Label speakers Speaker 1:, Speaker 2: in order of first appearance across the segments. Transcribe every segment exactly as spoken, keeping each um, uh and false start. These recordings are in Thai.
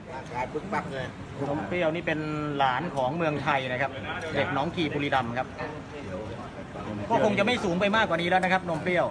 Speaker 1: ร่างกายปึ๊กปักเลย
Speaker 2: นมเปรี้ยวนี่เป็นหลานของเมืองไทยนะครับเด็กหนองขี่บุรีรัมย์ครับก็คงจะไม่สูงไปมากกว่านี้แล้วนะครับนมเปรี้ยว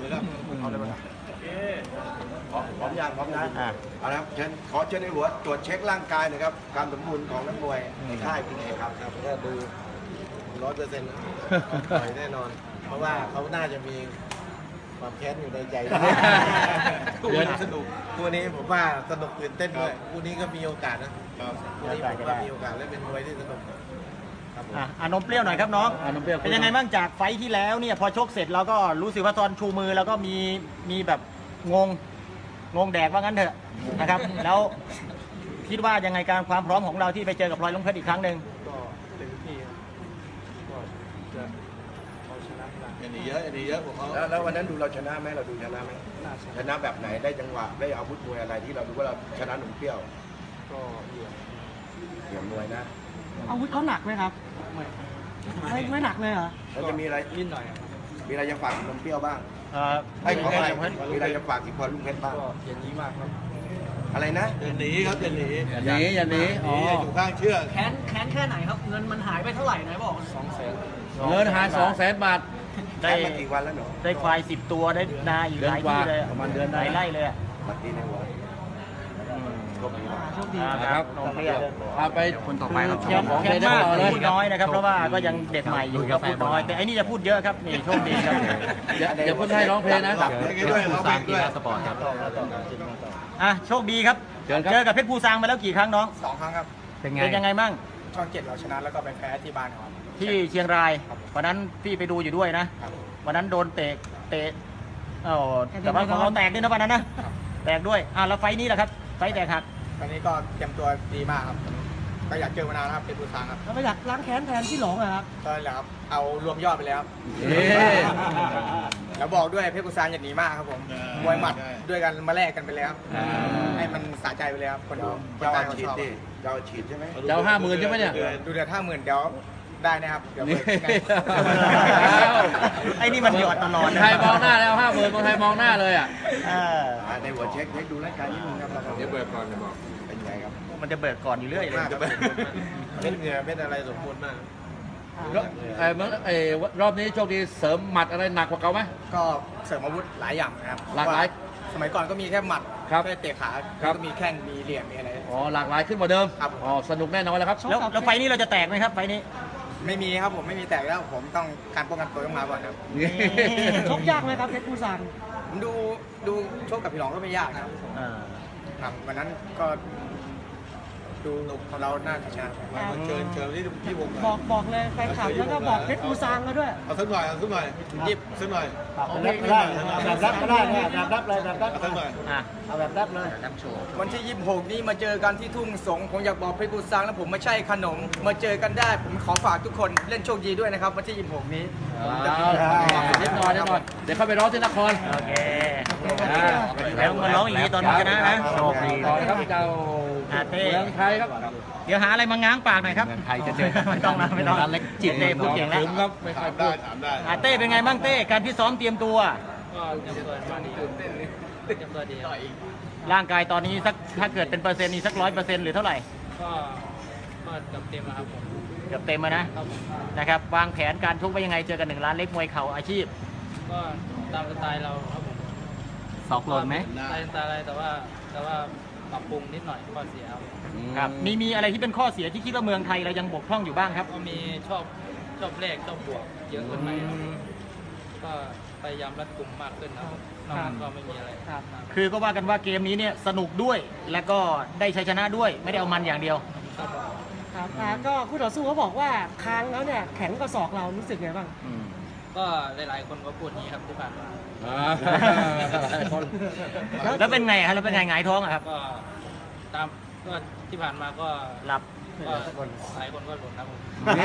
Speaker 1: พร้อมยางพร้อมนะเอาละเชิญขอเชิญในหัวตรวจเช็คร่างกายหน่อยครับการสมบูรณ์ของนักมวยในค่ายเป็นไงครับครับก็ดูร้อยเปอร์เซ็นต์ต่อยแน่นอนเพราะว่าเขาน่าจะมีความแค้นอยู่ในใจคู่นี้สนุกคู่นี้ผมว่าสนุกตื่นเต้นด้วยคู่นี้ก็มีโอกาสนะคู่นี้ผมว่ามีโอกาสและเป็นมวยที่สนุก
Speaker 2: อ่ะนมเปรี้ยวหน่อยครับน้องเป็นยังไงบ้างจากไฟที่แล้วเนี่ยพอชกเสร็จเราก็รู้สึกว่าตอนชูมือแล้วก็มีมีแบบงงงงแดกว่างั้นเถอะนะครับแล้วคิดว่ายังไงการความพร้อมของเราที่ไปเจอกับพลอยลุงเพชรอีกครั้งหนึ่ง
Speaker 3: ก็เต็มที่ก็จะเอาชนะได้
Speaker 1: อย่างนี้เยอะอย่างนี้เยอะผมเขาแล้ววันนั้นดูเราชนะไหมเราดูชนะไหมชนะแบบไหนได้จังหวะได้อาวุธมวยอะไรที่เราดูว่าเราชนะหนุ่มเปรี้ยว
Speaker 3: ก็เหลี่ยม
Speaker 1: เหลี่ยมมวยนะ
Speaker 4: อาวุธเขาหนักไหมครับไม่ไม่หนักเลยเหรอ
Speaker 1: แล้วจะมีอะไร
Speaker 3: นิดหน่อย
Speaker 1: มีอะไรจะฝากนมเปรี้ยวบ้าง
Speaker 2: ให้ขออะไร
Speaker 1: มีอะไรจะฝากที่พลอยลุงเพชรบ้าง
Speaker 3: อย่างนี้มากครับ
Speaker 1: อะไรนะอย่าหนีครับอย่าหนี
Speaker 2: อย่าหนีอย่าหนี
Speaker 1: อ๋ออยู่ข้างเชือก
Speaker 4: แค้นแค้นแค่ไหนครับเงินมันหายไปเท่าไหร่ไหนบอก
Speaker 3: สองแสน
Speaker 2: เงินหายสองแสนบาท
Speaker 1: ได้มากี่วันแล้วหนู
Speaker 2: ได้ควายสิบตัวได้นาอีกหลายที่เลยประมาณเดือนหลายไร่เลย
Speaker 1: บัตรดีในหัวโชคดี
Speaker 4: โชคดี
Speaker 2: ครับน้องเปรี้ยว
Speaker 5: พาไปคนต่อไปครับ
Speaker 2: แค่มากพูดน้อยนะครับเพราะว่าก็ยังเด็กใหม่อยู่ก็พูดน้อยแต่ไอ้นี่จะพูดเยอะครับนี่โชคดีครับ
Speaker 5: อย่าพูดให้ร้องเพลงนะ
Speaker 1: ด้วยร้องเพลงด้วย
Speaker 5: สปอร์ตครับ
Speaker 2: อ่ะโชคดีครับเจอกับเพชรภูซางมาแล้วกี่ครั้งน้อง
Speaker 3: สองครั้งครับ
Speaker 2: เป็นไงเป็นยังไงบ้าง
Speaker 3: ช่องเจ็ดเราชนะแล้วก็ไปแพ้ที่บ้านครับ
Speaker 2: ที่เชียงรายวันนั้นพี่ไปดูอยู่ด้วยนะวันนั้นโดนเตะเตะเออแต่ว่าของเราแตกด้วยนะวันนั้นนะแตกด้วยอ่ะแล้วไฟนี้แหละครับไฟแตกหัก
Speaker 3: ตอนนี้ก็เตรียมตัวดีมากครับก็อยากเจอมานานครับเป็นผู้ชางครับ
Speaker 4: แล้วก็อยากล้างแค้นแทนที่หลงเหรอครับ
Speaker 3: ก็แล้วครับเอารวมยอดไปแล้วแล้วบอกด้วยเพชรกุซานอย่าหนีมากครับผมมวยหมัดด้วยกันมาแลกกันไปแล้วให้มันสะใจไปแล้วคนดู
Speaker 1: เจ้าฉีดดิเจ้าฉีดใช่ไหม
Speaker 5: เจ้าห้าหมื่นใช่ไหมเนี่ย
Speaker 3: ดูเดือดห้าหมื่นเดี๋ยวได้นะครับเดี๋ยว
Speaker 2: ไอ้นี่มันหยอดตลอด
Speaker 5: ไทยมองหน้าแล้วห้าหมื่นคนไทยมองหน้าเลยอ่ะ
Speaker 1: ในหัวเช็คเช็คดูร่างกายนิดนึงครับ
Speaker 3: เดี๋ยวเบิกก่อนจะบอก
Speaker 1: เป็นไงครับ
Speaker 2: มันจะเบิกก่อนอยู่เรื่อยเลย
Speaker 1: เป็นเหงื่อเป็นอะไรสมบูรณ์มาก
Speaker 5: ไอ้เมื่อไอ้รอบนี้โชคดีเสริมหมัดอะไรหนักกว่าเก่าไหม
Speaker 3: ก็เสริมอาวุธหลายอย่างนะครับ
Speaker 5: หลากหลาย
Speaker 3: สมัยก่อนก็มีแค่หมัด
Speaker 5: แค่
Speaker 3: เตะขาก็มีแข้งมีเหลี่ยมมีอะไร
Speaker 5: อ๋อหลากหลายขึ้นกว่าเดิม
Speaker 3: ครับ
Speaker 5: อ๋อสนุกแน่นอนแล้วครับ
Speaker 2: แล้วแล้วไฟนี้เราจะแตกไหมครับไฟนี้
Speaker 3: ไม่มีครับผมไม่มีแตกแล้วผมต้องการป้องกันตัวต้องมาก่อนครับ
Speaker 4: ชกยากไหมครับเพชรภูซาง
Speaker 3: ผมดูดูชกกับพี่หลองก็ไม่ยากนะครับครับวันนั้นก็ดูของเราน่าจะชนะ
Speaker 1: เชิญเชิญที่ที่วง
Speaker 4: บอกบอกเลยแฟนคลับแล้วก็บอกเพชรภูซางมาด้วย
Speaker 1: เอาสักหน่อยเอาสักหน่อยยิบสักหน่อย
Speaker 2: แบบรับก็ได้แบบรับก็ได้แบบรับเลยแบบรับ
Speaker 1: สักหน่อย
Speaker 2: เอาแบบรับเลย
Speaker 3: วันที่ยี่สิบหกนี้มาเจอกันที่ทุ่งสงผมอยากบอกเพชรภูซางแล้วผมไม่ใช่ขนมมาเจอกันได้ผมขอฝากทุกคนเล่นโชคดีด้วยนะครับวันที่ยี่สิบหกนี้
Speaker 5: นิดหน่อยนิดหน่อยเดี๋ยวเข้าไปร้องที่นคร
Speaker 2: โอเคแล้วมาร้องอย่างนี้ตอนชนะนะโชคดี
Speaker 5: ครับเจ้า
Speaker 2: เต้
Speaker 5: เมืองไทยครับ
Speaker 2: เดี๋ยวหาอะไรมาง้างปากหน่อยครับ
Speaker 5: ไทยจะเจอ
Speaker 2: ไม่ต้องนะไม่ต้องเล็กจิตเต้พูดเก่งแล้ว
Speaker 5: ครับไม่ค่อยพูด
Speaker 2: อาเต้เป็นไงบ้างเต้การที่ซ้อมเตรียมตัว
Speaker 3: ก็เตรียมตัวมาดีเตรียมตัวดี
Speaker 2: ร่างกายตอนนี้สักถ้าเกิดเป็นเปอร์เซ็นต์นี่สักร้อยเปอร์เซ็นต์หรือเท่าไหร่
Speaker 3: ก็ก็เกือบเต็มแล้วครับผม
Speaker 2: เกือบเต็มแล้วนะนะครับวางแผนการชกไว้ยังไงเจอกันหนึ่งล้านเล็กมวยเข่าอาชีพ
Speaker 3: ก็ตามสไตล์เราครับผม
Speaker 2: สอกหล่นไหม
Speaker 3: สไตล์อะไรแต่ว่าแต่ว่าปรับปรุงนิดหน่อยข้อเสีย
Speaker 2: ครับมีมีอะไรที่เป็นข้อเสียที่คิดว่าเมืองไทยเรายังบกพร่องอยู่บ้างครับ
Speaker 3: ก็มีชอบชอบเลขชอบบวกเยอะเกินไปก็พยายามรัดกุมมากขึ้นนะครับนอกนั้นก็ไม่มีอะไร
Speaker 2: คือก็ว่ากันว่าเกมนี้เนี่ยสนุกด้วยและก็ได้ชัยชนะด้วยไม่ได้เอามันอย่างเดียว
Speaker 4: ครับก็คู่ต่อสู้เขาบอกว่าค้างแล้วเนี่ยแข็งกว่าศอกเรารู้สึกไงบ้าง
Speaker 3: ก็หลายๆคนก็พูดนี้ครับที่ผ่านมา
Speaker 2: แล้วเป็นไงฮะแล้วเป็นไงหงายท้องอะครับ
Speaker 3: ก็ตามก็ที่ผ่านมาก็
Speaker 2: หลับ
Speaker 3: หลายคนก็หลุดนะผม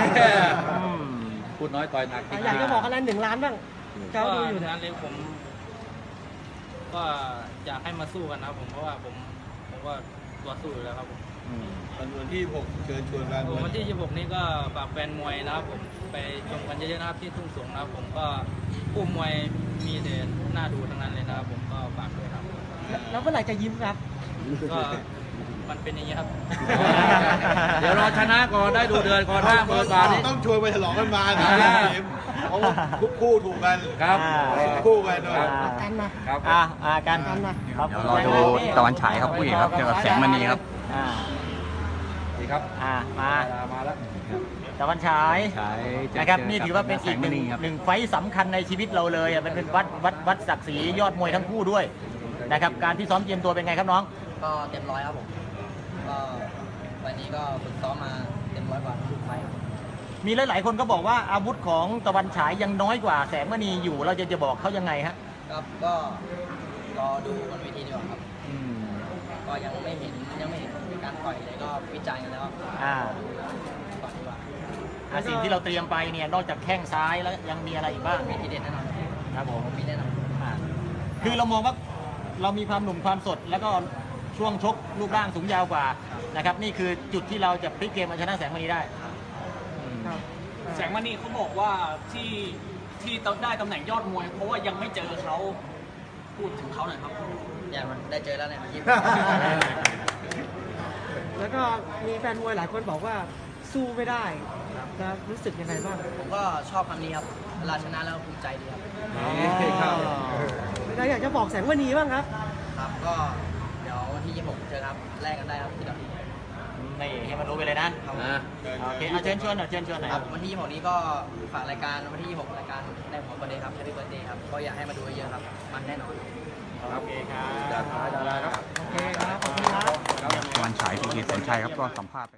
Speaker 5: พูดน้อยต่อยหนัก
Speaker 4: อยากจะบอกอะไรหนึ่งล้านบ้าง
Speaker 3: ก็ดูอยู่นั้นเลยผมก็อยากให้มาสู้กันนะผมเพราะว่าผมผมก็ตัวสู้อยู่แล้วครับผม
Speaker 1: วันที่หกเชิญชวนกัน
Speaker 3: วันที่ยี่สิบหกนี้ก็ฝากแฟนมวยนะครับผมไปชมกันเยอะๆนะครับที่ทุ่งสงนะครับผมก็ผู้มวยมีแต่หน้าดูทั้งนั้นเลยนะครับผมก็ฝากด้วยครับ
Speaker 4: แล้วเมื่อไหร่จะยิ้มครับ
Speaker 3: ก็มันเป็นอย่างนี้ครับ
Speaker 5: เดี๋ยวรอชนะก่อนได้ดูเดือนก่อนห้าหมื่นบาทนี้
Speaker 1: ต้องชวนไปฉลองกันมา
Speaker 5: อ่า
Speaker 1: ทีมเพราะว่าทุกคู่ถูกกัน
Speaker 5: ครับ
Speaker 1: ทุกคู่กันด้วย
Speaker 2: อ่า
Speaker 4: กันมา
Speaker 5: ครับ
Speaker 2: อ่าอ่ากัน
Speaker 4: กันมา
Speaker 2: ครับ
Speaker 6: เดี๋ยวรอดูตะวันฉายครับผู้เอกครับเจอกับแสงมณีครับ
Speaker 2: อ่า
Speaker 5: ดีครับ
Speaker 2: อ่ามา
Speaker 5: มาแล้ว
Speaker 2: ตะวันฉาย
Speaker 6: ฉายเจอ
Speaker 2: นะครับ
Speaker 6: เจอ
Speaker 2: นี่ถือว่าเป็นอีกหนึ่ง
Speaker 6: แสงมณีครับ
Speaker 2: หนึ่งไฟต์สำคัญในชีวิตเราเลยอ่ะมันเป็นวัดวัดวัดศักดิ์ศรียอดมวยทั้งคู่ด้วยนะครับการที่ซ้อมเตรียมตัวเป็นไงครับน้อง
Speaker 3: ก็เต็มร้อยครับผม ก็วันนี้ก็ฝึกซ้อมมาเต็มร้อยกว่าทุกไฟล์ครับ
Speaker 2: มีหลาย ๆ คนก็บอกว่าอาวุธของตะวันฉายยังน้อยกว่าแสงมณีอยู่เราจะจะบอกเขายังไงฮะ
Speaker 3: ครับก็รอดูบนเวทีดีกว่าครับ ก็ยังไม่เห็นยังไม่เห็นการต่อยเลยก็วิจัยกันแล้ว
Speaker 2: อ่า
Speaker 3: ก่อนดีกว่า
Speaker 2: อ่าสิ่งที่เราเตรียมไปเนี่ยนอกจากแข้งซ้ายแล้วยังมีอะไรอีกบ้าง
Speaker 3: มีทีเด็ดแน่นอน
Speaker 2: ครับผม
Speaker 3: มีแน่นอน
Speaker 2: อ่าคือเรามองว่าเรามีความหนุ่มความสด แล้วก็ช่วงชกรูปร่างสูงยาวกว่านะครับนี่คือจุดที่เราจะพลิกเกมมาชนะแสงมณีได้
Speaker 4: ครับ
Speaker 7: แสงมณีเขาบอกว่าที่ที่ได้ตำแหน่งยอดมวย เพราะว่ายังไม่เจอเขาพูดถึงเขาหน่อยครับ
Speaker 3: อย่ามันได้เจอแล้วเนี่ยยิ้ม
Speaker 4: แล้วก็มีแฟนมวยหลายคนบอกว่าสู้ไม่ได้นะรู้สึกยังไงบ้าง
Speaker 3: ผมก็ชอบคำนี้ครับเวลาชนะแล้วภูมิใจดีครับ
Speaker 4: เราอยากจะบอกแสงมณีบ้างครับ
Speaker 3: ครับก็เดี๋ยววันที่ยี่สิบหกเจอครับแลกกันได้ครับที่ดอกนี้
Speaker 2: นี่ให้มันรู้ไปเลยนะ
Speaker 5: อ่า
Speaker 2: โอเคเอาเชิญชวนหน่อยเชิญชวนหน่อย
Speaker 3: ครับวันที่ยี่สิบหกนี้ก็ฝากรายการวันที่ยี่สิบหกรายการในหัวประเด็นครับ Happy Birthday ครับก็อยากให้มาดูเยอะๆครับมันแน่นอน
Speaker 2: โอเคครับ
Speaker 4: โอเคครับ ขอบคุณครับ
Speaker 6: ตะวันฉายพีเคแสนชัยครับก็สัมภาษณ์